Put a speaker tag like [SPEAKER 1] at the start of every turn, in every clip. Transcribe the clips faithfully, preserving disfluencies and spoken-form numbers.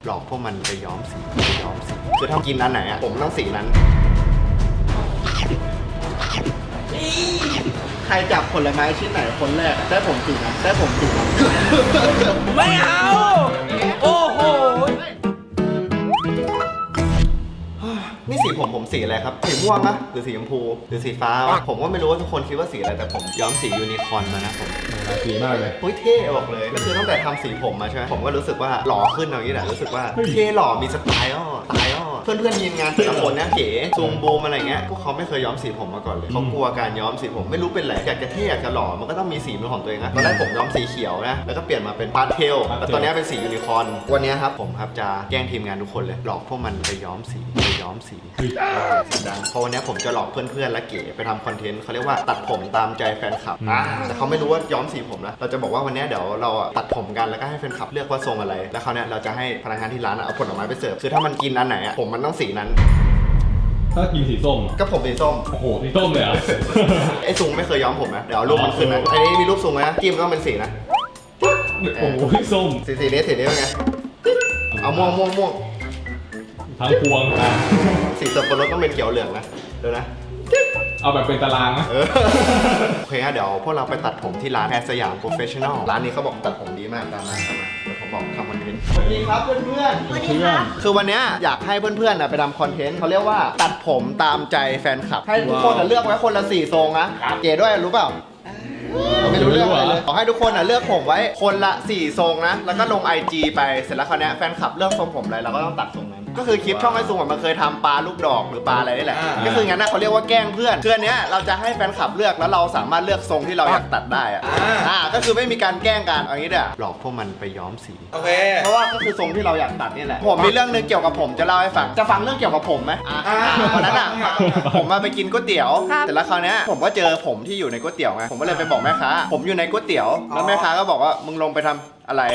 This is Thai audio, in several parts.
[SPEAKER 1] หลอกพวกมันไปย้อมสีไปย้อมสีคือถ้ากินอันไหนอะผมต้องสีนั้นใครจับผลไม้ชิ้นไหนคนแรกได้ผมสีนั้นได้ผมสีนั้น
[SPEAKER 2] ไม่เอาโอ้โห
[SPEAKER 1] นี่สีผมผมสีอะไรครับสีม่วงนะหรือสีชมพูหรือสีฟ้าวะผมก็ไม่รู้ว่าทุกคนคิดว่าสีอะไรแต่ผมย้อมสียูนิคอร์นมานะผม
[SPEAKER 3] สีมากเลย
[SPEAKER 1] เฮ้ยเท่บอกเลยก็คือตั้งแต่ทำสีผมมาใช่ไหมผมก็รู้สึกว่าหล่อขึ้นอย่างนี้แหละรู้สึกว่าเท่หล่อมีสไตล์อ่ะสไตล์อ่ะเพื่อนเพื่อนทีมงานแต่ละคนเนี่ยเก๋ซูมบูมอะไรเงี้ยพวกเขาไม่เคยย้อมสีผมมาก่อนเลยเขากลัวการย้อมสีผมไม่รู้เป็นไรอยากจะเท่อยากจะหล่อมันก็ต้องมีสีเป็นของตัวเองนะตอนแรกผมย้อมสีเขียวนะแล้วก็เปลี่ยนมาเป็นพาสเทลแล้วตอนนี้เป็นสียูนิคอร์นวันนี้ครับผมครับจะแกล้งทีมงานทุกคนเลยหลอกพวกมันไปย้อมสีไปย้อมสีเพราะวันนี้ผมจะหลอกเพื่อนๆและเก๋ไปทำคอนเทนต์เขาเรียกว่าตัดผมตามใจแฟนคลับอ่าแต่เขาไม่รู้ว่าย้อมสีผมนะเราจะบอกว่าวันนี้เดี๋ยวเราตัดผมกันแล้วก็ให้แฟนคลับเลือกว่าทรงอะไรแล้วเขาเนี่ยเราจะให้พนักงานที่ร้านเอาผลไม้ไปเสิร์ฟคือถ้ามันกินอันไหนอ่ะผมมันต้องสีนั้น
[SPEAKER 3] ถ้ากินสีส้ม
[SPEAKER 1] ก็ผมสีส้ม
[SPEAKER 3] โอ้โหสีส้มเลยอ่ะ
[SPEAKER 1] ไอ้ซุงไม่เคยย้อมผมนะเดี๋ยวเอารูปมันขึ้นนะอันนี้มีรูปซุงไหมจิ้มก็เป็นสีนะ
[SPEAKER 3] โอ้โหส้ม
[SPEAKER 1] สีสีนี้สีนี้เป็นไงเอาม่วงม่วงม่วง
[SPEAKER 3] ทั้งพวงอ่ะ
[SPEAKER 1] สีสับปะรดต้องเป็นเขียวเหลืองนะเดี๋ยวนะ
[SPEAKER 3] เอาแบบเป็นตารางนะ
[SPEAKER 1] โอเคฮะเดี๋ยวพวกเราไปตัดผมที่ร้านแอร์สยามโปรเฟชชั่นอลร้านนี้เขาบอกตัดผมดีมากตามมาตามมาเดี๋ยวผมบอกทำคอนเทนต์สวัสดีครับเพื่อนๆสวัสดีครับคือวันนี้อยากให้เพื่อนๆไปทำคอนเทนต์เขาเรียกว่าตัดผมตามใจแฟนคลับให้ทุกคนเลือกไว้คนละสี่ทรงนะเก๋ด้วยรู้เปล่าไม่รู้เรื่องอะไรเลยขอให้ทุกคนเลือกผมไว้คนละสี่ทรงนะแล้วก็ลง ไอ จี ไปเสร็จแล้วคราวนี้แฟนคลับเลือกทรงผมอะไรเราก็ต้องตัดทรงนั้นก็คือคลิปช่องไอ้ซุงมันเคยทำปลาลูกดอกหรือปลาอะไรนี่แหละก็คืองั้นนะเขาเรียกว่าแกล้งเพื่อนเพื่อนเนี้ยเราจะให้แฟนคลับเลือกแล้วเราสามารถเลือกทรงที่เราอยากตัดได้อะอ่าก็คือไม่มีการแกล้งกันเอางี้เด้อหลอกพวกมันไปย้อมสีโอเคเพราะว่าก็คือทรงที่เราอยากตัดนี่แหละผมมีเรื่องนึงเกี่ยวกับผมจะเล่าให้ฟังจะฟังเรื่องเกี่ยวกับผมไหมอ่าวันนั้นอ่ะผมมาไปกินก๋วยเตี๋ยวแต่ละคราวนี้ผมก็เจอผมที่อยู่ในก๋วยเตี๋ยวไงผมก็เลยไปบอกแม่ค้าผมอยู่ในก๋วยเตี๋ยวแล้วแม่ค้าก็บอกว่ามึงลงไปทำอะไร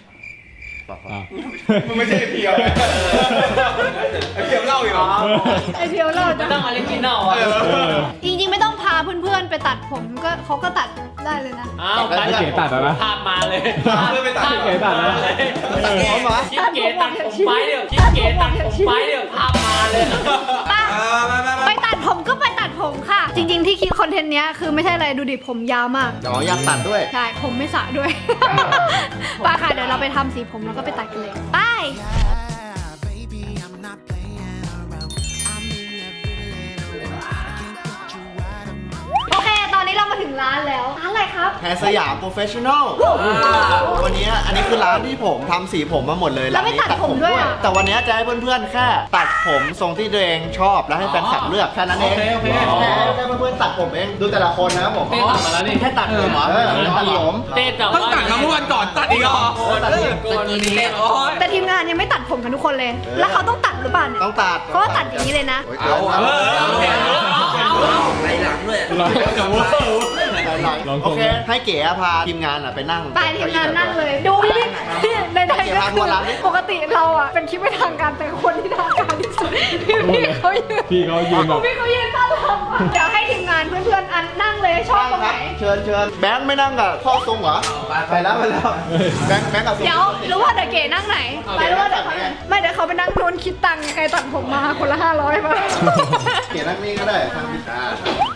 [SPEAKER 2] มันไม่ใช่เพียวไงไอเพียวเล่าอีกเหรอ
[SPEAKER 4] ไอเพียวเล่าจะ
[SPEAKER 5] ต้องออริจินอลอ่ะ
[SPEAKER 4] จริงๆไม่ต้องพาเพื่อนๆไปตัดผมก็เขาก็ตัดได้เลยนะ
[SPEAKER 5] อ้าวไป
[SPEAKER 3] เก๋ตัดแล้วนะ
[SPEAKER 5] ภาพมาเลย
[SPEAKER 2] เพื่อนไปตัด
[SPEAKER 3] เก๋ตัดแล้ว
[SPEAKER 1] เขามา
[SPEAKER 5] คิดเก๋ตัดผมไปเดี๋ยวคิดเก๋ตัดผมไปเดี๋ยวภาพมาเลย
[SPEAKER 4] ไปตัดผมก็ไปตัดผมค่ะจริงๆที่คิดคอนเทนต์เนี้ยคือไม่ใช่อะไรดูดิผมยาวมาก
[SPEAKER 1] อ๋ออยากตัดด้วย
[SPEAKER 4] ใช่ผมไม่สระด้วยป้าค่ะเดี๋ยวเราไปทำสีผมแล้วก็ไปตัดกันเลยไปโอเคตอนนี้เรามาถึงร้านแล้วร้านอะไรครับ
[SPEAKER 1] แฮร์สยามโปรเฟชชั่นอลวันนี้อันนี้คือร้านที่ผมทำสีผมมาหมดเลย
[SPEAKER 4] แล้วไม่ตัดผมด้วย
[SPEAKER 1] แต่วันนี้จะให้เพื่อนๆแค่ตัดผมทรงที่ตัวเองชอบแล้วให้แฟนคลับเลือกแค่นั้นเอง
[SPEAKER 5] โอเค
[SPEAKER 1] แค่เพื่อนๆตัดผมเองดูแต่ละคนนะผม
[SPEAKER 5] เต้ตัดมาแล้วนี่
[SPEAKER 1] แค่ตัดผมเหรอตัดผม
[SPEAKER 5] เต้ตัด
[SPEAKER 2] ต้องตัดทั้งวันก่อนตัดอีกเหรอ
[SPEAKER 4] แต่ทีมงานยังไม่ตัดผมกันทุกคนเลยแล้วเขาต้องตัดหรือเปล่าเนี่ย
[SPEAKER 1] ต้องตัด
[SPEAKER 4] เขาตัดอย่างนี้เลยนะ
[SPEAKER 1] เอาเอา
[SPEAKER 2] ไปหลังด้วย
[SPEAKER 1] โอเคให้เก๋พาทีมงานไปนั่ง
[SPEAKER 4] ไปทีมงานนั่งเลยดูดิในไทยก็คือปกติเราอ่ะเป็นคลิปไม่ทางการแต่คนที่ทางการที่สุดพี่เขายืน
[SPEAKER 3] พี่เขายืน
[SPEAKER 4] พี่เขายืนต้อนรับเดี๋ยวให้ทีมงานเพื่อนๆอันนั่งเลยชอบตรงไหน
[SPEAKER 1] เชิญเชิญแบงค์ไม่นั่งกับพ่อทรงเหรอไปแล้วไปแล้วแบงค์แบงค์กับ
[SPEAKER 4] เดี๋ยวรู้ว่าเดี๋ยวเก๋นั่งไหนไปรู้ว่าเดี๋ยวเขาไม่เดี๋ยวเขาไปนั่งโดนคิดตังค์ใครตัดผมมาคนละห้าร้อยมา
[SPEAKER 1] เก๋นั่งนี่ก็ได้ทางพิซซ่า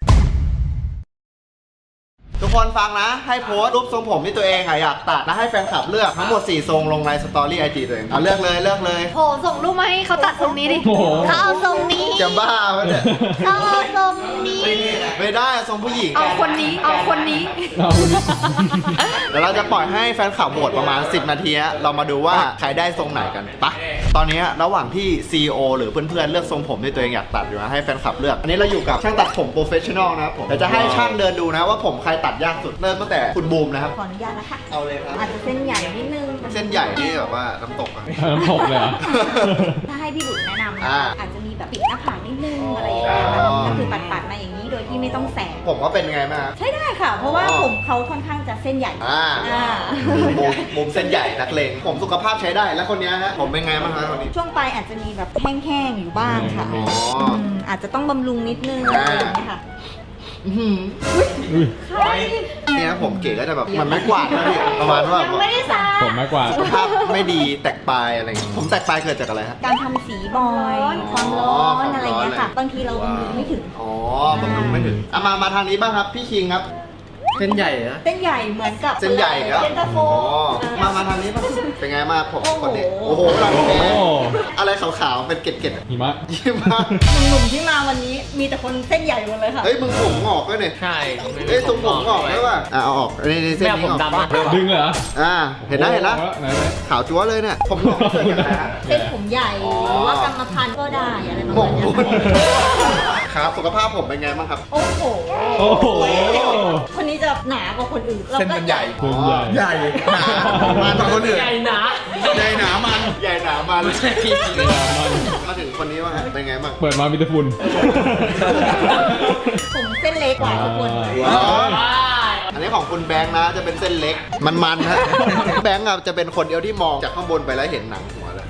[SPEAKER 1] ทุกคนฟังนะให้โพสต์รูปทรงผมที่ตัวเองอยากตัดแล้วให้แฟนคลับเลือกทั้งหมดสี่ทรงลงในสตอรี่ไอจีตัวเองเอาเลือกเลยเลือกเลย
[SPEAKER 4] โหส่งรูปมาให้เขาตัดทรงนี้ดิเขาเอาทรงนี้
[SPEAKER 1] จะบ้าไหมเนี่ย
[SPEAKER 4] เขาเอาทรงนี้
[SPEAKER 1] ไม่ได้ทรงผู้หญิง
[SPEAKER 4] เอาคนนี้เอาคนนี้
[SPEAKER 1] เดี๋ยวเราจะปล่อยให้แฟนคลับโหวตประมาณสิบนาทีเรามาดูว่าใครได้ทรงไหนกันปะตอนนี้ระหว่างที่ ซี อี โอ หรือเพื่อนๆเลือกทรงผมที่ตัวเองอยากตัดอยู่นะให้แฟนคลับเลือกอันนี้เราอยู่กับช่างตัดผมโปรเฟชชั่นอลนะครับผมเดี๋ยวจะให้ช่างเดินดูนะว่าผมใครตัดยากสุดเริ่มตั้งแต่คุณบูมนะครับ
[SPEAKER 6] ขออนุญาตนะคะ
[SPEAKER 1] เอาเลยครับ
[SPEAKER 6] อาจจะเส้นใหญ่นิดนึง
[SPEAKER 1] เส้นใหญ่นี่แบบว่าน้ำตกอะ
[SPEAKER 3] น้ำตกเลยอะ
[SPEAKER 6] ถ้าให้พี่บุ๋มแนะนำอาจจะมีแบบปิดหน้าผากนิดนึงอะไรอย่างเงี้ยก็คือปัดๆมาอย่างนี้โดยที่ไม่ต้องแสบ
[SPEAKER 1] ผมว่าเป็นไงมา
[SPEAKER 6] ใช่ได้ค่ะเพราะว่าผมเขาค่อนข้างจะเส้นใหญ่
[SPEAKER 1] อ่ามุมเส้นใหญ่นักเลงผมสุขภาพใช้ได้แล้วคนนี้ฮะผมเป็นไงบ้างครับคนนี้
[SPEAKER 6] ช่วงปลายอาจจะมีแบบแห้งๆอยู่บ้างค่ะอาจจะต้องบำรุงนิดนึงอะไรอย่างเงี้ยค่ะ
[SPEAKER 1] อื้อหือ
[SPEAKER 3] อุ้ย
[SPEAKER 1] เนี่ยผมเก๋ก็จะแบบมันไม่กวาดนะพี่ประมาณว่า
[SPEAKER 6] ยังไม่ได้สระ
[SPEAKER 3] ผมมากกว่า
[SPEAKER 1] สุขภาพไม่ดีแตกปลายอะไรอย่างเงี้ยผมแตกปลายเกิดจากอะไรฮะ
[SPEAKER 6] การทำสีบ่อยความร้อนอะไรอย่างเงี้ยค่ะบางทีเราบำรุงไม่ถึง
[SPEAKER 1] อ๋อบำรุงไม่ถึงอ่ะมามาทางนี้บ้างครับพี่คิงครับ
[SPEAKER 2] เส้นใหญ่นะ
[SPEAKER 6] เส้นใหญ่เหมือนกับ
[SPEAKER 1] เส้นใหญ่ครับ
[SPEAKER 6] เย็นตาโฟ
[SPEAKER 1] อ๋อมามาทางนี้บ้างเป็นไงมากผมคนนี้โอ้โหเรา
[SPEAKER 3] โอ้
[SPEAKER 1] แพ้
[SPEAKER 3] โห
[SPEAKER 1] อะไรขาวๆเป็นเกล็ดๆ
[SPEAKER 3] หิมะ
[SPEAKER 1] ยี่มาก
[SPEAKER 6] หนุ่มๆที่มาวันนี้มีแต่คนเส้นใหญ่หมดเลยค่ะ
[SPEAKER 1] เฮ้ยมึงผมงอกด้วยเนี่ย
[SPEAKER 5] ใช่
[SPEAKER 1] เฮ้ยตรงผมงอกได้ป่ะอ่ะเอาออกนี่นี่เส้น
[SPEAKER 5] แม่
[SPEAKER 1] นี้
[SPEAKER 5] ผม
[SPEAKER 1] ออก
[SPEAKER 5] ดำอ่ะ
[SPEAKER 3] ดึงเลยเหรอ
[SPEAKER 1] อ่าเห็นนะเห็นนะ
[SPEAKER 3] โอ้โไหนไหน
[SPEAKER 1] ขาวจั๊วเลยเนี่ยผมงอกเกิดจากอะไรฮะ
[SPEAKER 6] เส้นผมใหญ่หรือว่ากรรมพันธุ์ก็ได้อะไรประ
[SPEAKER 1] หม
[SPEAKER 6] มาณ
[SPEAKER 1] ก
[SPEAKER 6] เนี้
[SPEAKER 1] บุญ
[SPEAKER 6] ย
[SPEAKER 1] ครับสุขภาพผมเป็นไงบ้างครับ
[SPEAKER 6] โอ้โห
[SPEAKER 3] โอ้โห
[SPEAKER 6] คนนี้จะหนากว่าคนอื่น
[SPEAKER 2] เส้นมันใหญ่
[SPEAKER 3] ส่วนใหญ่
[SPEAKER 2] ใหญ่หนามันกว่าคนอื่น
[SPEAKER 5] ใหญ่หนา
[SPEAKER 2] ใหญ่หนามัน
[SPEAKER 1] ใหญ่หนามัน
[SPEAKER 3] เวลามัน
[SPEAKER 1] มาถึงคนนี้ว่าเป็นไงบ้าง
[SPEAKER 3] เปิดมามีแต่ฝุ่น
[SPEAKER 6] ผมเส้นเล็กกว่าทุกคน
[SPEAKER 3] ว้าว
[SPEAKER 1] อ๋ออันนี้ของคุณแบงค์นะจะเป็นเส้นเล็กมันๆฮะแบงค์อะจะเป็นคนเดียวที่มองจากข้างบนไปแล้วเห็นหนังหัวเลย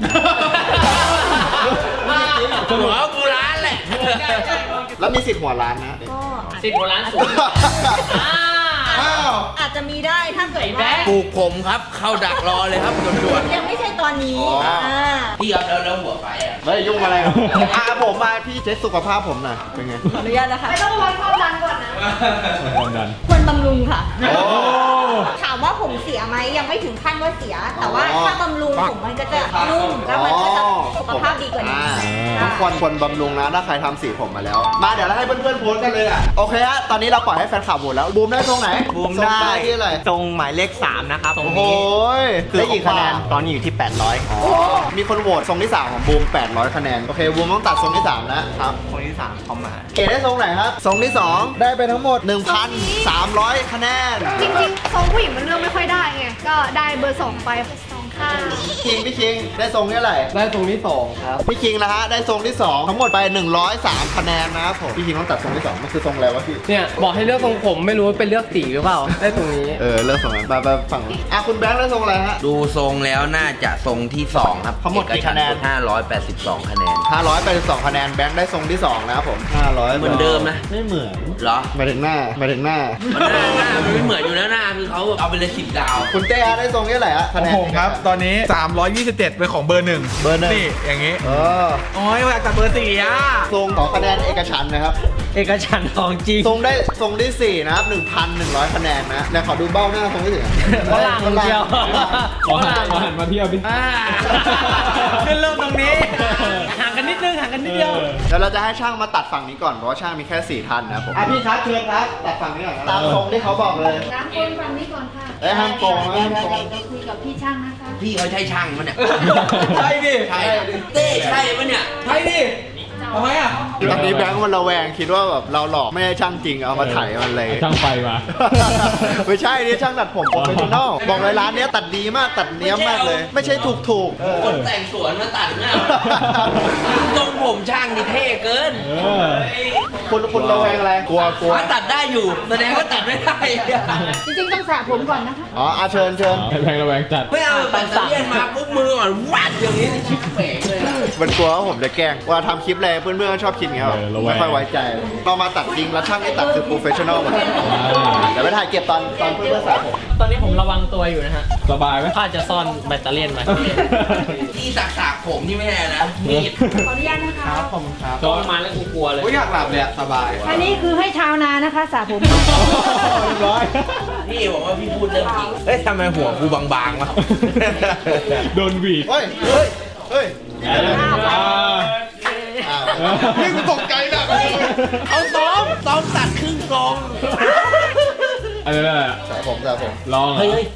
[SPEAKER 5] หัวกูร้านแหละ
[SPEAKER 1] แล้วมีสิทธิ์หัวล้านนะ
[SPEAKER 6] ก็
[SPEAKER 5] สิบหัวร้านสูงอ่า
[SPEAKER 1] อ้าว
[SPEAKER 6] อาจจะมีได้ถ้าเกิด
[SPEAKER 5] ไอ้แบ๊
[SPEAKER 6] ว่า
[SPEAKER 5] ปลูกผมครับ เข้าดักรอเลยครับด่วน
[SPEAKER 6] ยังไม่ใช่ตอนนี้
[SPEAKER 1] อ๋ออ่
[SPEAKER 6] า
[SPEAKER 5] ๆพี่ครับแล้วแล้วหัวไฟอ่ะ
[SPEAKER 1] ไม่ยุ่งอะไรครับอ่ะผมมาพี่เช็คสุขภาพผมหน่อยเป็นไง
[SPEAKER 6] ขออนุญาตนะคะ
[SPEAKER 4] ไม่ต้องวัดความดันก่อนนะ
[SPEAKER 3] ความดัน
[SPEAKER 6] ควรบำรุงค่ะ
[SPEAKER 1] โอ้
[SPEAKER 6] ถามว่าผมเสียไหมยังไม่ถึงขั้นว่าเสีย แต่ว่า
[SPEAKER 1] อ๋อ
[SPEAKER 6] ถ้าบำรุงผมมันก็จะนุ่มแล้วมันก็จะสุขภาพดีกว่านี้
[SPEAKER 1] ทุกคนควรบำรุงนะถ้าใครทำสีผมมาแล้ว มาเดี๋ยวเราให้เพื่อนๆโพสต์กันเลยอ่ะโอเคฮะตอนนี้เราปล่อยให้แฟนคลับโหวตแล้วบูมได้ตรงไหน
[SPEAKER 7] บูมได้
[SPEAKER 1] ทรงที่อะไร
[SPEAKER 7] ตรงหมายเลขสามนะครับตรง
[SPEAKER 1] โอ้โห
[SPEAKER 7] นี้
[SPEAKER 1] ได้กี่คะแนน
[SPEAKER 7] ตอนนี้อยู่ที่ แปดร้อย
[SPEAKER 1] อ๋อมีคนโหวตทรงที่สามของบูมแปดร้อยคะแนนโอเคบูมต้องตัดทรงที่สามนะครับ
[SPEAKER 7] คนที่สามเขามา
[SPEAKER 1] เกรดได้ทรงไหนครับทรงที่สองได้ไปทั้งหมด หนึ่งพันสามร้อย คะแนน
[SPEAKER 4] จริงๆทรงผู้หญิงมันเลือกไม่ค่อยได้ไง ก็ได้เบอร์สองไปสองข้าง
[SPEAKER 1] พี่คิงพี่คิงได้ทรงที่เท่าไหร่
[SPEAKER 2] ได้ตรงนี้สองครับ
[SPEAKER 1] พี่คิงนะฮะได้ทรงที่สองทั้งหมดไปหนึ่งร้อยสาม คะแนนนะครับผมพี่คิงต้องตัดทรงที่สองมันคือทรงอะไรวะพี่
[SPEAKER 2] เนี่ยบอกให้เลือกทรงผมไม่รู้ว่าเป็นเลือกสีหรือเปล่า ได้ตรงนี้
[SPEAKER 1] เออเลือกทรงนั้นไปไปฝั่งอ่ะคุณแบงค์ได้ทรงอะไรฮะ
[SPEAKER 8] ดูทรงแล้วน่าจะทรงที่สองครับ
[SPEAKER 1] ทั้งหมดกี่คะแนน
[SPEAKER 8] ห้าร้อยแปดสิบสองคะแนน
[SPEAKER 1] ห้าร้อยแปดสิบสองคะแนนแบงค์ได้ทรงที่สองนะครับผมห้าร้อย
[SPEAKER 8] เหมือนเดิมนะ
[SPEAKER 1] ไม่เหมือน
[SPEAKER 8] เหรอ
[SPEAKER 1] หมายถึงหน้าหมายถึงหน้า
[SPEAKER 8] มันหน้าหน้ามันไม่เหมือนอยู่แล้วหน้าคือเขาเอาไปเลยสิบดาว
[SPEAKER 1] คุณเต้ฮะได้ทรงที่เท่าไหร่ฮะคะแนน
[SPEAKER 2] ผมครับ ตอนนี้ สามร้อยยี่สิบเจ็ดเป็นของเบอร์หนึ่ง
[SPEAKER 1] เบอร์หนึ่ง
[SPEAKER 2] นี่อย่างงี้
[SPEAKER 1] เออ
[SPEAKER 2] โอ้ยอยากจับเบอร์สี่อ่ะ
[SPEAKER 1] ทรงขอคะแนนเอกฉันท์นะครับ
[SPEAKER 7] เอกฉันท์ของจริง
[SPEAKER 1] ทรงได้ทรงที่สี่นะครับหนึ่งพันหนึ่งร้อยคะแนนนะแล้วขอดูเบ้าหน้าทรงที่สี่
[SPEAKER 7] ฝรั่งเดียว
[SPEAKER 3] ขอหันขอหันมาเที่ยวดิ
[SPEAKER 7] อ่าขึ้นเริ่มตรงนี้ ห่างกันนิดนึงห่างกันนิดเดียว
[SPEAKER 1] เดี๋ยวเราจะให้ช่างมาตัดฝั่งนี้ก่อนเพราะว่าช่างมีแค่สี่ท่านนะครับผมอ่ะพี่ชัดเชิญครับตัดฝั่งนี้ก่อนครับตามทรงที่เขาบอกเลย
[SPEAKER 4] น้ำคนฟังนี้ก่อนค่ะ
[SPEAKER 1] เอ้ยห้ามโกงนะห้ามโกง
[SPEAKER 4] เราคุยกับพี่ช่างนะคะ
[SPEAKER 8] พี่เขาใช่ช่างมันเนี่ย
[SPEAKER 2] ใช่ดิ
[SPEAKER 8] ใช่เต้ใช่ปะเนี่ย
[SPEAKER 2] ใช่ดิทำไมอ่ะ
[SPEAKER 1] ตอนนี้แบงค์มันระแวงคิดว่าแบบเราหลอกไม่ใช่ช่างจริงเอามาถ่ายมันเลย
[SPEAKER 3] ช่างไฟมา
[SPEAKER 1] ไม่ใช่นี่ช่างตัดผมโปรเฟชชั่นอลบอกเลยร้านเนี้ยตัดดีมากตัดเนี้ยบมากเลย ไม่ใช่ถูกถูกๆเออ
[SPEAKER 8] คนแต่งสวนมาตัดหน้าทรงผมช่างนี่เท่เกิน
[SPEAKER 3] เออ
[SPEAKER 1] คุณคุณระแวงอะไรกลัวกลัว
[SPEAKER 8] ถ้าตัดได้อยู่แสดงว่าตัดไม่ได้
[SPEAKER 4] จริงๆต้องสระผมก่อนนะคะ
[SPEAKER 1] อ๋ออาเชิญเชิญ
[SPEAKER 3] ให้แพงระแวงจัด
[SPEAKER 8] ไม่เอาแบตเตอรี่มาปุ๊บมือก่อนวัดอย่างนี้ชิบเป๋งเลย
[SPEAKER 1] มันกลัวว่าผมจะแกล้งว่าทำคลิปอะไรเพื่อนๆก็ชอบคิดอย่างเงี้ยแบบ
[SPEAKER 3] เออระแวง
[SPEAKER 1] ไม่ค่อยไว้ใจเรามาตัดจริงแล้วช่างที่ตัดคือโปรเฟชชั่นอลหมดเดี๋ยวไปถ่ายเก็บตอนตอนเพื่อนๆสระผม
[SPEAKER 5] ตอนนี้ผมระวังตัวอยู่นะฮะ
[SPEAKER 3] สบายไหม
[SPEAKER 5] ข้าจะซ่อนแบตเตอรี่ไว้
[SPEAKER 8] ที่สักสากผมที่ไม่แน่นะมีด
[SPEAKER 6] ขออนุญาตนะคะ
[SPEAKER 2] ครับผมครับ
[SPEAKER 5] จองมาแล้วกูกลัวเลย
[SPEAKER 2] โอ้ยอยากหลับเลยอะสบาย
[SPEAKER 4] อันนี้คือให้ชาวนานะคะสระผม
[SPEAKER 3] ร้อย
[SPEAKER 8] พี่บอกว่าพี่พูดเรื่องจริงเฮ้ยทำไมหัวกูบางๆวะ
[SPEAKER 3] โดนหวีด
[SPEAKER 1] เฮ้ยเฮ้ยเฮ้ย
[SPEAKER 3] อ่า
[SPEAKER 1] อ่า
[SPEAKER 2] นี่กูตกใจแบบ
[SPEAKER 8] เขาซ้อมซ้อมตัดครึ่งกลอง
[SPEAKER 3] อะไรนั่นแหละ
[SPEAKER 1] สระผมสระผม
[SPEAKER 3] ลองเหรอ
[SPEAKER 8] เฮ้ย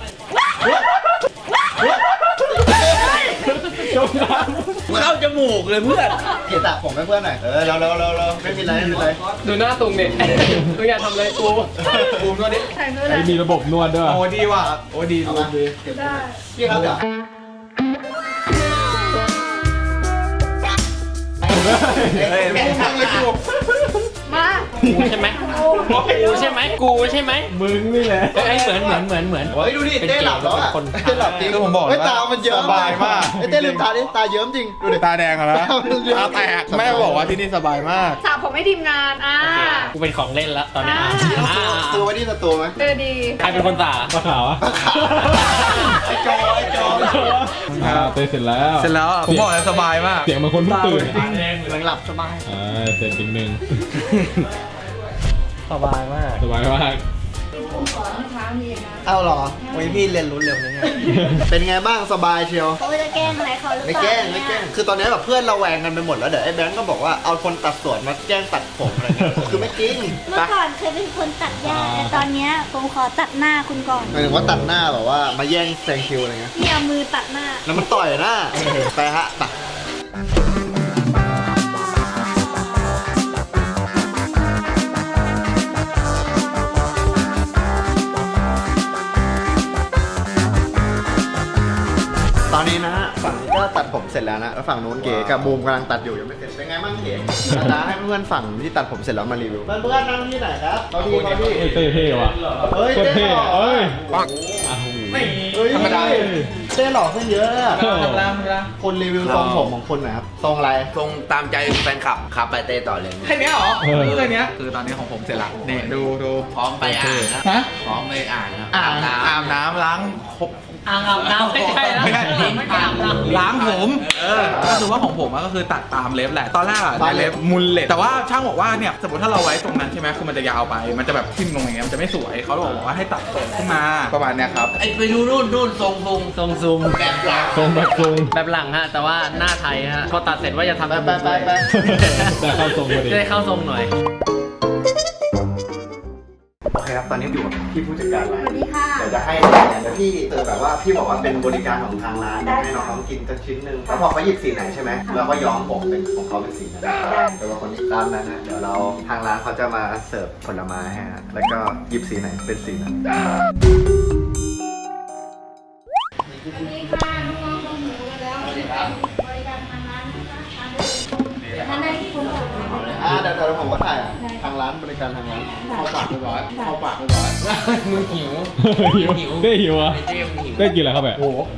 [SPEAKER 3] จมน้
[SPEAKER 8] เข้าจมูกเลยเพื่อน
[SPEAKER 1] เกียรติสระผมให้เพื่อนหน่อยเออเราเราเราเราไม่มีไรไม่มีไร
[SPEAKER 2] ดูหน้าตุงเนี่ยตุงอยากทำอะไรกูบูมตัวนี้
[SPEAKER 4] ใส่เพื่อ
[SPEAKER 3] ำ
[SPEAKER 4] อะไร
[SPEAKER 3] ไอ้มีระบบนวดด้วย
[SPEAKER 2] โอ้ดีว่ะ โอ้ดีดูดี
[SPEAKER 4] ได้
[SPEAKER 1] พี่ครับเดี๋ยว
[SPEAKER 2] เฮ้ยไม่ทำเลยกู
[SPEAKER 4] มา
[SPEAKER 5] กูใช่ไหมกูใช่ไหมกูใช่ไหม
[SPEAKER 3] มึงนี่แหละ
[SPEAKER 5] ไอ้ยเหมือนเหมือนเหมือนเหมือน
[SPEAKER 1] เฮ้ยดูดิเต้หลับแล้วอ่ะ
[SPEAKER 5] เป็นเกย์
[SPEAKER 1] เต้หลับจริง
[SPEAKER 2] คือผมบอกเลย
[SPEAKER 1] เฮ้ย
[SPEAKER 2] ว่า
[SPEAKER 1] ตามันเยิ้ม
[SPEAKER 2] สบายมาก
[SPEAKER 1] ไอ้เต้ลืมตาดิตาเยิ้มจริงดูดิ
[SPEAKER 2] ตาแดงอะนะ
[SPEAKER 1] ตามันเยิ้ม
[SPEAKER 2] ตาแตกแม่บอกว่าที่นี่สบายมาก
[SPEAKER 4] สระผมให้ทีมงาน อ่า
[SPEAKER 5] กูเป็นของเล่นแล้วตอนนี้
[SPEAKER 4] อ่า
[SPEAKER 5] อ่า
[SPEAKER 1] ซื้อไว้ที่สตูไหม
[SPEAKER 4] เออดี
[SPEAKER 5] ใครเป็นคนสา
[SPEAKER 3] ปลาขาวอะ
[SPEAKER 1] ไอ้โจไอ้โจ
[SPEAKER 3] อ่าเต้เสร็จแล้ว
[SPEAKER 2] เสร็จแล้วผมบอกเลยสบายมาก
[SPEAKER 3] เสียงเหมือนคนเพิ่งตื่น
[SPEAKER 1] กำลังหลับสบาย
[SPEAKER 3] อ่าเสร็จจริงหนึ่ง
[SPEAKER 5] สบายมาก
[SPEAKER 3] สบายมาก
[SPEAKER 1] เอ้าเหรอโอ้ยพี่เรียนรู้เร็วนะเนี่ยเป็นไงบ้างสบายเชียว
[SPEAKER 6] เขาจะแกล้งอะไรเขาหรือเป
[SPEAKER 1] ไม่
[SPEAKER 6] ล่า
[SPEAKER 1] แกล้งไม่แกล้งคือตอนนี้แบบเพื่อนเราแวงกันไปหมดแล้วเดี๋ยวไอ้แบงก์ก็บอกว่าเอาคนตัดสวนมาแกล้งตัดผมอะไรเงี้ยคือไม่จริง
[SPEAKER 6] เมื่อก่อนเคยเป็นคนตัดหญ้าแต่ตอนเนี้ยผมขอตัดหน้าคุณก่อน
[SPEAKER 1] หมายถึงว่าตัดหน้าแบบว่ามาแย่งแซงคิวอะไรเงี้ย
[SPEAKER 6] นี่เอามือตัดหน้า
[SPEAKER 1] แล้วมันต่อยหน้าไปฮะตัดตอนนี้นะฮะฝั่งนี้ก็ตัดผมเสร็จแล้วนะแล้วฝั่งนู้นเก๋กับบูมกำลังตัดอยู่ยังไม่เสร็จเป็นไงบ้างเก๋จะให้เพื่อนฝั่งที่ตัดผมเสร็จแล้วมารีวิวเพื่อนๆนั่งที่ไหนครับเขาดีเขาดี
[SPEAKER 3] เฮ้ยเต้เท่ว่ะ
[SPEAKER 1] เฮ้ย
[SPEAKER 3] โคตร
[SPEAKER 1] เต้
[SPEAKER 3] เท่
[SPEAKER 1] หล่อ
[SPEAKER 3] เอ้ย
[SPEAKER 1] ปัง
[SPEAKER 3] อ้าว
[SPEAKER 1] เฮ้ย
[SPEAKER 2] ธรรมดา
[SPEAKER 1] เต้หล่อขึ้นเยอะเลยอะ
[SPEAKER 3] ธรรมดา
[SPEAKER 1] คนรีวิวทรงผมของคนหน่อยครับทรงอะไร
[SPEAKER 8] ตรงตามใจแฟนคลับขับไปเต้ต่อเลย
[SPEAKER 2] แค่เนี้ยเหรอ
[SPEAKER 3] เออ
[SPEAKER 2] แค่เนี้ยคือตอนนี้ของผมเสร็จละนี่ดูดู
[SPEAKER 8] พร้อมไปอ่างนะ
[SPEAKER 2] ฮะ
[SPEAKER 8] พร้อมไปอ่างนะ
[SPEAKER 2] อ่าง
[SPEAKER 8] น้ำ
[SPEAKER 2] อาบน้ำล้างครบ
[SPEAKER 5] อ่างอาบน้ำไม่ใช่แล้ว
[SPEAKER 2] ไม่ใช่
[SPEAKER 5] ไม่ใช่อาบน้ำ
[SPEAKER 2] ล้างผมเออก็คือว่าของผมอะก็คือตัดตามเล็บแหละ ตอนแรกอะได้เล็บมุนเล็บแต่ว่าช่างบอกว่าเนี่ยสมมติถ้าเราไว้ตรงนั้นใช่ไหมคือมันจะยาวไป มันจะแบบทิ่มลงอย่างเงี้ยมันจะไม่สวยเขาบอกว่าให้ตัดตรงขึ้นมาประมาณเนี้ยครับ
[SPEAKER 8] ไอ้ไปดูนู่นนู่นทรงทรง
[SPEAKER 5] ทรงซูม
[SPEAKER 8] แบบหลัง
[SPEAKER 3] ทรงแบบทรง
[SPEAKER 5] แบบหลังฮะ แต่ว่าหน้าไทยฮะ พอตัดเสร็จว่าจะทำ
[SPEAKER 1] ไปไปไปไป
[SPEAKER 3] แต่เข้าทรงพอดี
[SPEAKER 5] จะได้เข้าทรงหน่อย
[SPEAKER 1] โอเคครับตอนนี้อยู่กับพี่ผู้จัดการร้าน
[SPEAKER 6] สวัสดีค่ะ
[SPEAKER 1] เดี๋ยวจะให้แต่พี่เออแบบว่าพี่บอกว่าเป็นบริการของทางร้านให้น้องๆกินสักชิ้นหนึ่งแล้วพอเขาหยิบสีไหนใช่ไหมเราก็ย้อมผมเป็นของเขาเป็นสีนั้นแต่ว่าคนนี้ตามนั้นนะเดี๋ยวเราทางร้านเขาจะมาเสิร์ฟผลไม้ให้ฮะแล้วก็หยิบสีไหนเป็นสีนั้น
[SPEAKER 6] ท่านได้ที่คุณบอก
[SPEAKER 1] อ่าเดี๋ยวเดี๋ยวผมก็ถ่ายอ่ะทางร้านบริการทางร้านเข้าปากเรียบร้อยเข้าปากเรียบร้อย
[SPEAKER 8] มึงหิว
[SPEAKER 3] หิวเต้หิวอ่ะ
[SPEAKER 8] ไอ้เต้มึงหิว
[SPEAKER 3] เต้กินอะไรเข้าไปโอ้โห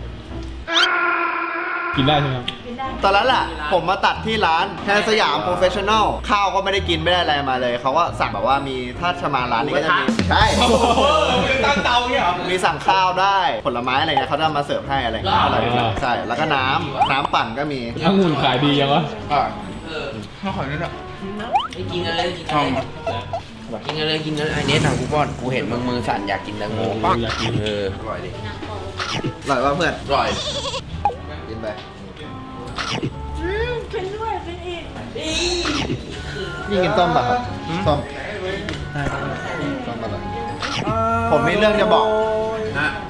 [SPEAKER 3] กินได้ใช่ไหมครับ
[SPEAKER 1] ตอนนั้นแหละผมมาตัดที่ร้านแทนสยามโปรเฟชชั่นอลข้าวก็ไม่ได้กินไม่ได้อะไรมาเลยเขาก็สั่งแบบว่ามีถ้าจะมาร้านนี้ก็จะมีใช่
[SPEAKER 2] ตั้งเตาเนี่ยเหรอ
[SPEAKER 1] มีสั่งข้าวได้ผลไม้อะไรเงี้ยเขาจะมาเสิร์ฟให้อะไรเงี้ยอร่อยมากใช่แล้วก็น้ำน้ำปั่นก็มี
[SPEAKER 3] องุ่นขายดียังวะ
[SPEAKER 2] อ่ะ
[SPEAKER 8] เออ
[SPEAKER 2] ข้าวขอยนิดอ่ะ
[SPEAKER 8] ไม่กินกันเลยกินกันเลยกินกันเลยกินกันเลยไอ้เนสทางกูป้อนกูเห็นมึงมือสั่นอยากกินแตงโม
[SPEAKER 3] เอออยากกิน
[SPEAKER 8] เอออร่อยดิ
[SPEAKER 1] อร่อยว่าเพื่อน
[SPEAKER 8] อร่อย
[SPEAKER 1] กินไป
[SPEAKER 6] อืมเป็นด้วยเป็นอีก
[SPEAKER 1] นี่กินต้มป่ะครับต้มต้มป่ะครับผมมีเรื่องจะบอก
[SPEAKER 8] ฮะ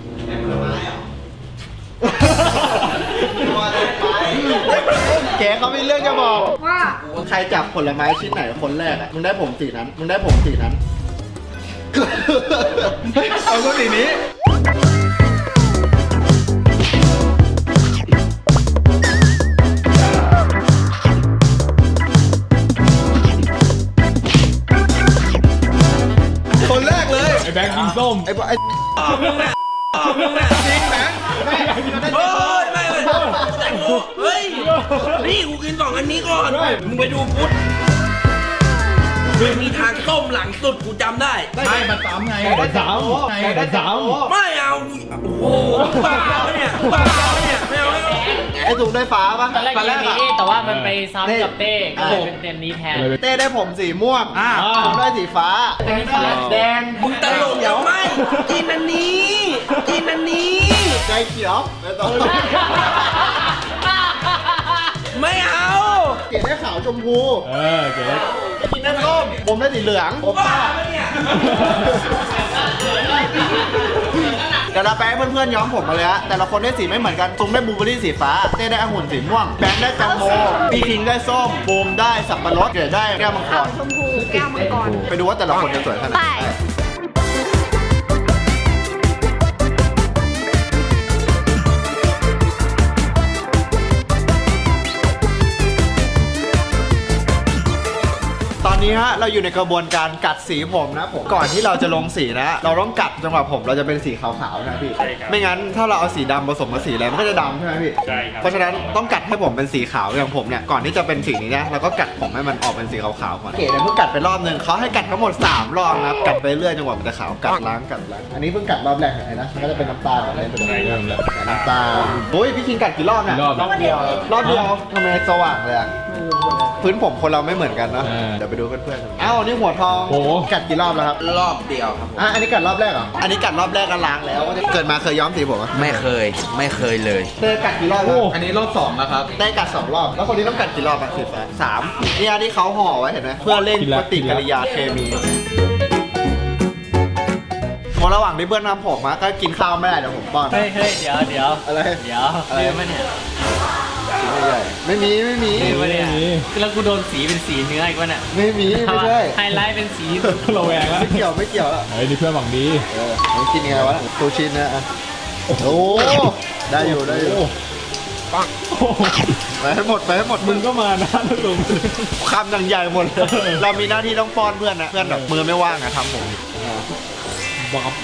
[SPEAKER 1] เก๋เขามีเรื่องจะบอก
[SPEAKER 4] ว่า
[SPEAKER 1] ใครจับผลไม้ชิ้นไหนคนแรกอะมึงได้ผมสีนั้น มึงได้ผมสีนั้น
[SPEAKER 2] เอาก็สีนี้ คนแรกเลย
[SPEAKER 3] ไอ้แบงค์กินส้ม
[SPEAKER 1] ไอ้พวกไอ้
[SPEAKER 2] จริงนะ
[SPEAKER 8] เฮ้ยไม่เลยแตงโมเฮ้ยนี่กูกินสองอันนี้ก่อนมึงไปดูฟุตมันมีทางต้มหลังสุดกูจำได้
[SPEAKER 2] ไม่มันซ้ำไง
[SPEAKER 3] แต่สามแต่สาม
[SPEAKER 8] ไม่เอาโอ้โหบ้าเนี่ยบ้าเนี่ยไม่เอาไม่เอา
[SPEAKER 1] ไอ้ถุงได้ฟ้าปะ
[SPEAKER 5] ตอนแรกยังมีแต่ว่ามันไปซ้ำกับเต้ก็เลย
[SPEAKER 1] อ่า
[SPEAKER 5] เป็นเต็มนี้แทน
[SPEAKER 1] เต้ได้ผมสีม่วง
[SPEAKER 2] อ่า
[SPEAKER 1] ผมได้สีฟ้า
[SPEAKER 5] อันนี้ฟ้า
[SPEAKER 1] แดง
[SPEAKER 8] มึงตลกเดี๋ยวไม่กินอันนี้กินอันนี้
[SPEAKER 1] ใจเขียวไม่ต้อง
[SPEAKER 8] ไม่เอา
[SPEAKER 1] เก๋ได้ขาวชมพู
[SPEAKER 3] เออเก๋
[SPEAKER 1] กินได้ส้มผมได้สีเหลืองผม
[SPEAKER 8] บ้าปะเนี่ย
[SPEAKER 1] เดี๋ยวเราไปให้เพื่อนๆย้อมผมมาเลยฮะแต่ละคนได้สีไม่เหมือนกันตุ้มได้บลูเบอร์รี่สีฟ้าเต้ได้องุ่นสีม่วงแบงค์ได้แตงโมพี่คิงได้ส้มบูมได้สับปะรดเก๋ได้แก้วมังก
[SPEAKER 4] ขาว
[SPEAKER 1] ร
[SPEAKER 4] ชมพูแก้วมังกร
[SPEAKER 1] ไปดูว่าแต่ละคนจะสวยขนาดไห
[SPEAKER 4] ไป
[SPEAKER 1] นตอนนี้นี้ฮะเราอยู่ในกระบวนการกัดสีผมนะผมก่อนที่เราจะลงสีนะ เราต้องกัดจังหวะผมเราจะเป็นสีขาวๆนะพี่
[SPEAKER 3] ใช่ครับ
[SPEAKER 1] ไม่งั้นถ้าเราเอาสีดำผสมกับสีอะไรมันก็จะดำใช่ไหมพี่
[SPEAKER 3] ใช่ครับ
[SPEAKER 1] เพราะฉะนั้นต้องกัดให้ผมเป็นสีขาวอย่างผมเนี่ยก่อนที่จะเป็นสีนี้นะเราก็กัดผมให้มันออกเป็นสีขาวๆก่อนเก๋เนี่ยเพิ่งกัดไปรอบนึงเขาให้กัดทั้งหมดสามรอบนะครับกัดไปเรื่อยจนกว่ามันจะขาวกัดล้างกัดล้างอันนี้เพิ่งกัดรอบแรกเห็นไหมนะมันก็จะเป็นน้ำตาลอะไรเป็นเรื่องแล้วน้ำตาลโอ้ยพี่คิงกัดกี่รอบเนี่ย
[SPEAKER 3] รอบ
[SPEAKER 1] รอบเดียวรอบเดียวทำไมสว่างเลยอะพื้นผมคนเราไม่เหมือนกันเนาะ
[SPEAKER 3] เออ
[SPEAKER 1] เดี๋ยวไปดูเพื่อนๆอ้าวนี่หัวทอง
[SPEAKER 3] โอ้โห
[SPEAKER 1] กัดกี่รอบแล้วครับ
[SPEAKER 8] รอบเดียวครับผม
[SPEAKER 1] อ่ะอันนี้กัดรอบแรกเหรออันนี้กัดรอบแรกก็ล้างแล้วเกิดมาเคยย้อมสีผมไหม
[SPEAKER 8] ไม่เคยไม่เคยเลย
[SPEAKER 1] เต้กัดกี่รอบแล้ว
[SPEAKER 2] อันนี้รอบสองแล้วครับ
[SPEAKER 1] ได้กัดสองรอบ แล้วคนนี้ต้องกัดกี่รอบอ่ะสีฟ้าสามนี่อันที่เขาห่อไว้เห็นไหมเพื่อเร่งปฏิกิริยาเคมีพอระหว่างที่เพื่อนทำผมมาก็กินข้าวไม่ได้เดี๋ยวผมป้อน
[SPEAKER 5] เฮ้ยเฮ้ยเดี๋ยวเดี๋ยว
[SPEAKER 1] อะไร
[SPEAKER 5] เดี๋ยว
[SPEAKER 1] อะไร
[SPEAKER 5] ลืมปะเนี่ย
[SPEAKER 1] ไม่ใช่ไม่มีไม่มี
[SPEAKER 5] ลืมปะเนี่ย
[SPEAKER 3] ไม่มี
[SPEAKER 5] แล้วกูโดนสีเป็นสีเนื้ออีกวะเนี่ย
[SPEAKER 1] ไม่มีไม่ใช่
[SPEAKER 5] ไฮไลท์เป็นสี
[SPEAKER 3] เราแวงแล้ว
[SPEAKER 1] ไม่เกี่ยวไม่เกี่ยวแล้ว
[SPEAKER 3] เฮ้ยนี่เพื่อนหวังดี
[SPEAKER 1] เออมันกินยังไงวะซูชินะอ่ะโอ้โหได้อยู่ได้อยู่
[SPEAKER 3] ปังโอ้โห
[SPEAKER 1] ไปให้หมดไปให้หมด
[SPEAKER 3] มึงก็มานะนะลุง
[SPEAKER 1] คำดังใหญ่หมดเลยเรามีหน้าที่ต้องป้อนเพื่อนนะเพื่อนแบบมือไม่ว่างอะทำผม
[SPEAKER 3] บับ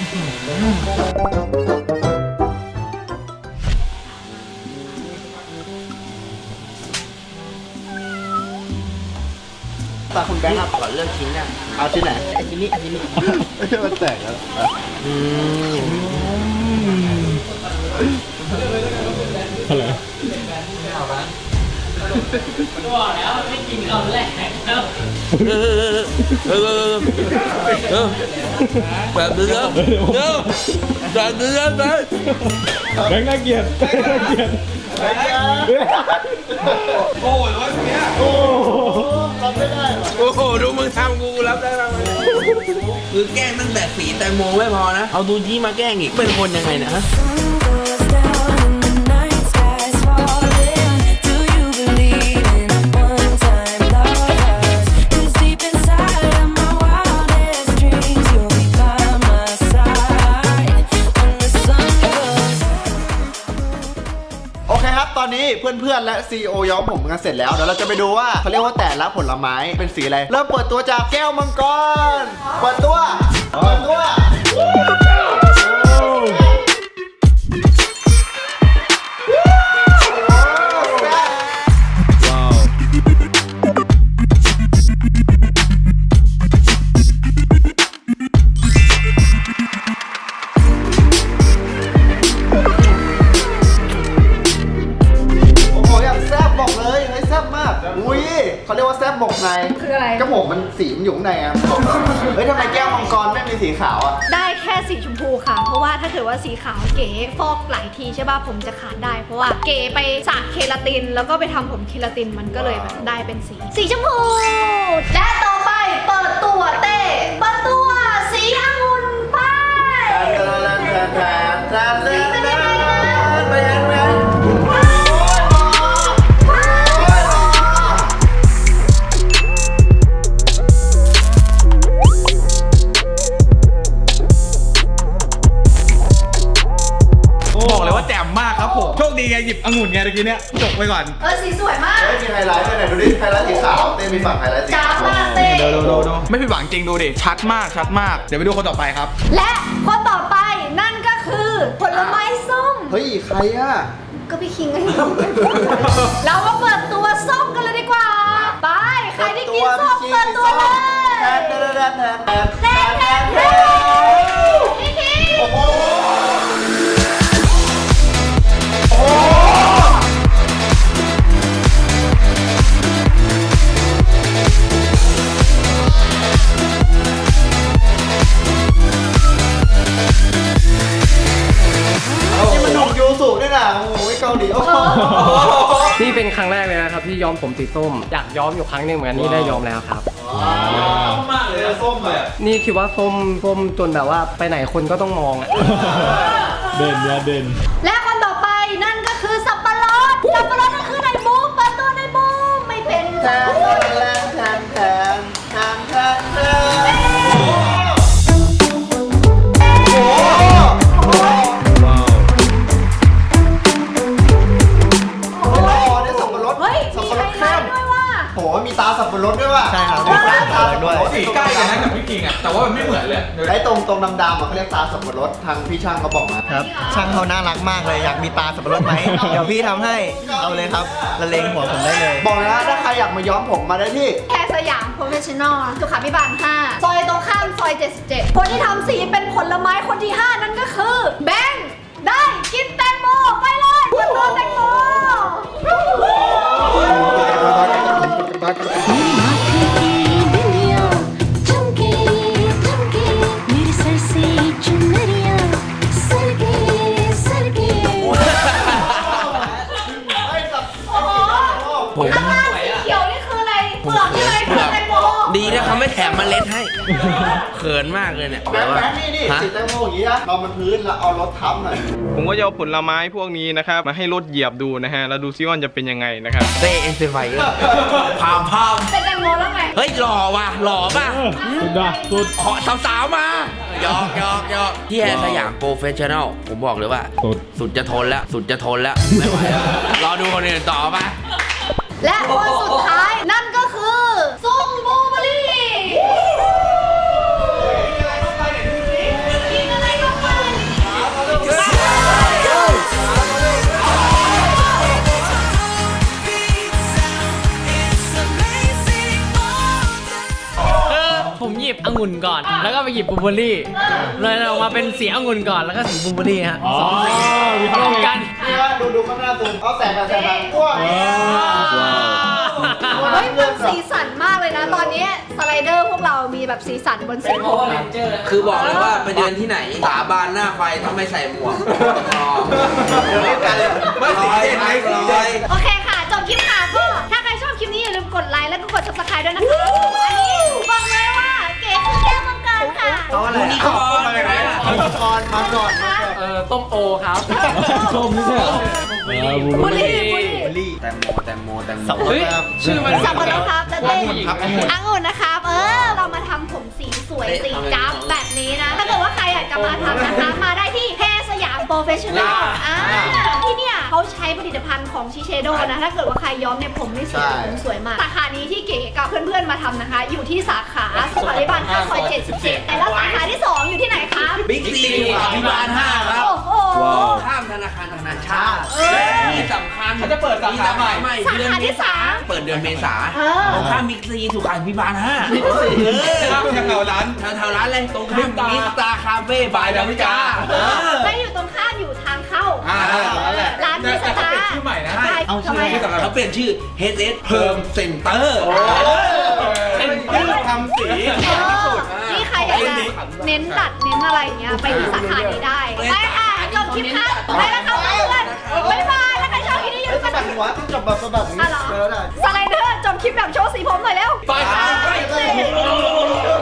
[SPEAKER 1] ตาคุณแบงค์ครับ
[SPEAKER 8] ขอเลือกชิ้นอ่ะ
[SPEAKER 1] เอาที่ไหน
[SPEAKER 8] ไอ้ชิ้นนี้ไอ้ชิ้นนี้
[SPEAKER 1] ไม่ใช่มันแตกแล้วอ่ะ
[SPEAKER 8] อืม
[SPEAKER 3] อะไร
[SPEAKER 5] บอกแล้วไม่กินคำแรกแล้ว
[SPEAKER 8] เออเออเออเออแบบเดิมเดิมแบบเดิมไป
[SPEAKER 3] แบงค์น่าเกลียดแบงค์น่าเกลียด
[SPEAKER 2] โอ้ยร้อยเนี้ย
[SPEAKER 3] โอ้โห
[SPEAKER 1] รับไม่ได้หรอ
[SPEAKER 8] โอ้โหดูมึงทำกูรับได้บ้างไหมคือแกล้งตั้งแต่สีแตงโมไม่พอนะ เอาดูจี้มาแกล้งอีกเป็นคนยังไงนะฮะ
[SPEAKER 9] goes down and the night sky's falling. Do you believe in one-time lovers? 'Cause deep inside of my wildest dreams, you'll be by my side when the sun goes.
[SPEAKER 1] โอเคครับ ตอนนี้เพื่อนๆ และ ซี อี โอ ย้อมผมกันเสร็จแล้ว เดี๋ยวเราจะไปดูว่าเขาเรียกว่าแต่ละผลไม้เป็นสีอะไร เริ่มเปิดตัวจากแก้วมังกร เปิดตัว เปิดตัว
[SPEAKER 3] ว้าว
[SPEAKER 1] โอ้โหอย่างแซ่บบอกเลยเฮ้ยแซ่บมาก อุ้ยเขาเรียกว่าแซ่บหมกใน
[SPEAKER 4] คืออะไร
[SPEAKER 1] ก็ผมมันสีมันอยู่ข้างในอ่ะเฮ้ยทำไมแก้วมังกรไม่มีสีขาวอ่ะ
[SPEAKER 4] ได้แค่สีชมพูค่ะ เพราะว่าถ้าเกิดว่าสีขาวเก๋ฟอกหลายทีใช่ป่ะผมจะขาดได้ เพราะว่าเก๋ไปสระเคราติน แล้วก็ไปทำผมเคราตินมันก็เลยแบบได้เป็นสี สีชมพูและต่อไปเปิดตัวเต้เปิดตัวสีองุ่นไป
[SPEAKER 1] ไปยังไง
[SPEAKER 2] บอกเลยว่าแจ่มมากครับผม โชคดีไงหยิบองุ่นไงตะกี้เนี้ยจบไปก่อน
[SPEAKER 4] เออสีสวยมาก
[SPEAKER 1] เฮ้ยมีไฮไลท์ด้วยไหนดูดิไฮไลท์สีขาวเต้มีฝั่งไฮไลท์สี
[SPEAKER 4] จ้า
[SPEAKER 1] ขาว
[SPEAKER 4] มากเต้
[SPEAKER 2] ดูดูดูไม่ผิดหวังจริงดูดิ ชัดมากชัดมาก เดี๋ยวไปดูคนต่อไปครับ
[SPEAKER 4] และคนต่อไปนั่นก็คือผลไม้ส้ม
[SPEAKER 1] เฮ้ยใครอ่ะ
[SPEAKER 4] ก็พี่คิงไง เรามาเปิดตัวส้มกันเลยดีกว่า ไป ใครที่กินส้มเปิดตัวเลย
[SPEAKER 1] แทนแทนแทนแทนแทน
[SPEAKER 4] แทนแทนแทนพี่คิง
[SPEAKER 1] โอ้โหนี่มันหนุ่มยูสุด้วยนะโอ้โหเกาหลีโอ้โห
[SPEAKER 7] นี่เป็นครั้งแรกเลยนะครับที่ย้อมผมสีส้ม อยากย้อมอยู่ครั้งหนึ่งเหมือนกันนี่ได้ย้อมแล้วครับ
[SPEAKER 2] มากเลยส้มเลย
[SPEAKER 7] นี่คิดว่าส้มส้มจนแบบว่าไปไหนคนก็ต้องมองอ่ะ
[SPEAKER 3] เด่นเนี่ยเด่น
[SPEAKER 4] และคนต่อไปนั่นก็คือสับปะรด สับปะรดนั่นคือในบูมเปิดตัวในบูมไม่เป็น
[SPEAKER 1] แท
[SPEAKER 4] สับ
[SPEAKER 1] น
[SPEAKER 4] ปะรด
[SPEAKER 1] แทนแทนแทนแทนแทนโอ้โห
[SPEAKER 3] ว้าว
[SPEAKER 1] โอ้โหนี่สับปะรด
[SPEAKER 4] เฮ้ย
[SPEAKER 1] สั
[SPEAKER 4] มี
[SPEAKER 1] บปะร
[SPEAKER 4] ไฮ
[SPEAKER 1] ด
[SPEAKER 4] ไล
[SPEAKER 1] เข้ม
[SPEAKER 4] ท์ด้วยว่า
[SPEAKER 1] โหมีตาสับปะรดด้วยว่ะ
[SPEAKER 10] ใช่ครับ
[SPEAKER 1] มีตาสับปะรดด้วย
[SPEAKER 2] สีใกล้กันนะกับพี่กิงอ่ะแต่ว่ามันไม่เหมือนเลย
[SPEAKER 1] ไอ้ตรงตรงดำๆอ่ะเขาเรียกตาสับปะรดทางพี่ช่างเขาบอกมา
[SPEAKER 10] ครับ ช่างเขาน่ารักมากเลย อยากมีตาสับปะรดไหม เดี๋ยวพี่ทำให้ เอาเลยครับละเลงหัวผมได้เลย
[SPEAKER 1] บอกเลยนะถ้าใครอยากมาย้อมผมมาได้ที่
[SPEAKER 4] แค่สยามโปรเฟชชั่นอลสุขาภิบาลห้าซอยตรงข้ามซอยเจ็ดสิบเจ็ดคนที่ทำสีเป็นผลไม้คนที่ห้านั่นก็คือแบงค์ได้กินแตงโมไปเลยเพื่อนตัวแตงโม
[SPEAKER 9] दुनिया चमके चमके मेरे सर से चुनरिया सरके सरके
[SPEAKER 8] ผม
[SPEAKER 4] ข้างล่างสีเขียวนี่คืออะไรเปลือกใช่ไหมเปลือกแตงโม
[SPEAKER 8] ดีนะเขาไม่แถมเมล็ดให้ เขินมากเลยเนี่ย
[SPEAKER 1] แบงค์แบงค์นี่นี่
[SPEAKER 8] ฮะ
[SPEAKER 1] สีแตงโมอย่างนี้นะเรามันพื้นแล้วเอารถทับหน่อย
[SPEAKER 3] ผมก็จะเอาผลไม้พวกนี้นะครับ มาให้รถเหยียบดูนะฮะ แล้วดูซิว่ามันจะเป็นยังไงนะครับ
[SPEAKER 8] เต้เอ็นเซไฟเออร์พามพาม
[SPEAKER 4] เป็นแตงโมแล้วไง
[SPEAKER 8] เฮ้ยหล่อว่ะหล่อป่ะ
[SPEAKER 3] สุดอะสุด
[SPEAKER 8] ขอสาวๆมาหยอกหยอกหยอกที่แฮร์สยามโปรเฟชชั่นอลผมบอกเลยว่า
[SPEAKER 3] สุด
[SPEAKER 8] สุดจะทนแล้ว สุดจะทนแล้ว ไม่ไหวแล้ว รอดูคนอื่นต่อป่ะ
[SPEAKER 4] และคนสุดท้ายนั่นก็คือซุงบลูเบอร์รี่กินอะไรก็ไป
[SPEAKER 5] คือผมหยิบองุ่นก่อน แล้วก็ไปหยิบบลูเบอร์รี่ เลยออกมาเป็นสีองุ่นก่อนแล้วก็สีบลูเบอร์รี่ฮะสองสีรวมกัน
[SPEAKER 1] นี่ว่าดูดูข้างหน้าซูมเอาแสงกับแสงแบบพวก
[SPEAKER 4] เฮ้ยมันสีสันมากเลยนะ ตอนนี้สไลเดอร์พวกเรามีแบบสีสันบนสีผมนะ
[SPEAKER 8] คือบอกเลยว่าไปเดินที่ไหน สาบานหน้าไฟถ้าไม่ใส่หมวกเดี๋ยวเรียกกันเลยไม่สีไหนสีใด
[SPEAKER 4] โอเคค่ะ จบคลิปค่ะก็ถ้าใครชอบคลิปนี้อย่าลืมกดไลค์แล้วก็กด ซับสไครบ์ ด้วยนะคะอันนี้บอกเลยว่าเก๋คือแก้วมังกรค่ะ
[SPEAKER 1] เอาอะไร
[SPEAKER 8] ยูนิคอร์น
[SPEAKER 1] มาเลยนะยูนิคอร์นมาก่อนมาก่อน
[SPEAKER 5] เออต้มโอครับ
[SPEAKER 3] ส้มนี่ใช่เหรอเออบู
[SPEAKER 4] บุ
[SPEAKER 3] เบอ
[SPEAKER 4] รี
[SPEAKER 3] รี่
[SPEAKER 4] บุรี
[SPEAKER 1] ลี่
[SPEAKER 8] แตงโมแตงโมแตงโม
[SPEAKER 5] เฮ้ยชื่อมัน
[SPEAKER 4] สับปะรดครับจะเต้
[SPEAKER 1] องุ่นครับองุ่น
[SPEAKER 4] องุ่นนะครับ เออ เรามาทำผมสีสวยสีจั๊บแบบนี้นะ ถ้าเกิดว่าใครอยากจะมาทำนะคะ มาได้ที่แพรสยามโปรเฟชชั่นอลอ่าที่เนี่ยเขาใช้ผลิตภัณฑ์ของชิเชโดนะ ถ้าเกิดว่าใครย้อมเนี่ยผมไม่เสียผมสวยมาก สาขานี้ที่เก๋กับเพื่อนๆมาทำนะคะ อยู่ที่สาขาสุขาภิบาลห้าซอยเจ็ดสิบเจ็ดแต่แล้วสาขาที่สองอยู่ที่ไหนคะ
[SPEAKER 8] บิ๊กซีอภิบาลห้าครับ
[SPEAKER 4] โอ้โห
[SPEAKER 8] ข้ามธนาคารธนาชาติ
[SPEAKER 4] เออ
[SPEAKER 8] ที่สำคัญ
[SPEAKER 2] เขาจะเปิดสาขาใหม่
[SPEAKER 8] ใหม่
[SPEAKER 4] สา
[SPEAKER 8] เดือน
[SPEAKER 4] ขา
[SPEAKER 8] เม
[SPEAKER 4] ที่
[SPEAKER 8] ษา
[SPEAKER 4] สาม
[SPEAKER 8] เปิดเดือนเมษา
[SPEAKER 4] เออ
[SPEAKER 8] ตรงข้ามบิ๊กซีสุขาภิบาลห้า
[SPEAKER 2] ข้ามแถวร้าน
[SPEAKER 8] แถวๆร้านเลยตรงข้ามมิสตาคาเฟ่บายดาวิกา
[SPEAKER 4] ไม่อยู่ตรงข้ามอยู่ทางเข้า
[SPEAKER 2] อ่านั่นแหละ
[SPEAKER 4] ร้านพิซ
[SPEAKER 2] แต่เขา
[SPEAKER 4] ซ่า
[SPEAKER 2] เปลี่ยนชื่อใหม่นะ
[SPEAKER 4] ใช่
[SPEAKER 8] เอาชื่
[SPEAKER 4] ทำ
[SPEAKER 8] อ
[SPEAKER 4] ไม
[SPEAKER 8] ชื่อเขาเปลี่ยนชื่อ เอช เอส Perm Center
[SPEAKER 2] เป็นชื่อทำสี
[SPEAKER 4] เออนี่ใครอยากจะเน้นตัดเน้นอะไรอย่างเงี้ยไปที่สาขานี้ได้ไปค่ะจบคลิปค่ะไปแล้วค่ะเพื่อนบ๊ายบายแล้วใครชอบคลิปนี้อย่าลืมก
[SPEAKER 1] สะ
[SPEAKER 4] ด
[SPEAKER 1] บัดหัวต้องจับแบบสะบัดอย่าง
[SPEAKER 4] อ่ะ
[SPEAKER 1] นี้
[SPEAKER 4] เหรอ
[SPEAKER 1] เจอได้
[SPEAKER 4] สไลเดอร์จบคลิปแบบโชว์สีผมหน่อยเร็ว
[SPEAKER 2] ไปครับ
[SPEAKER 4] ไป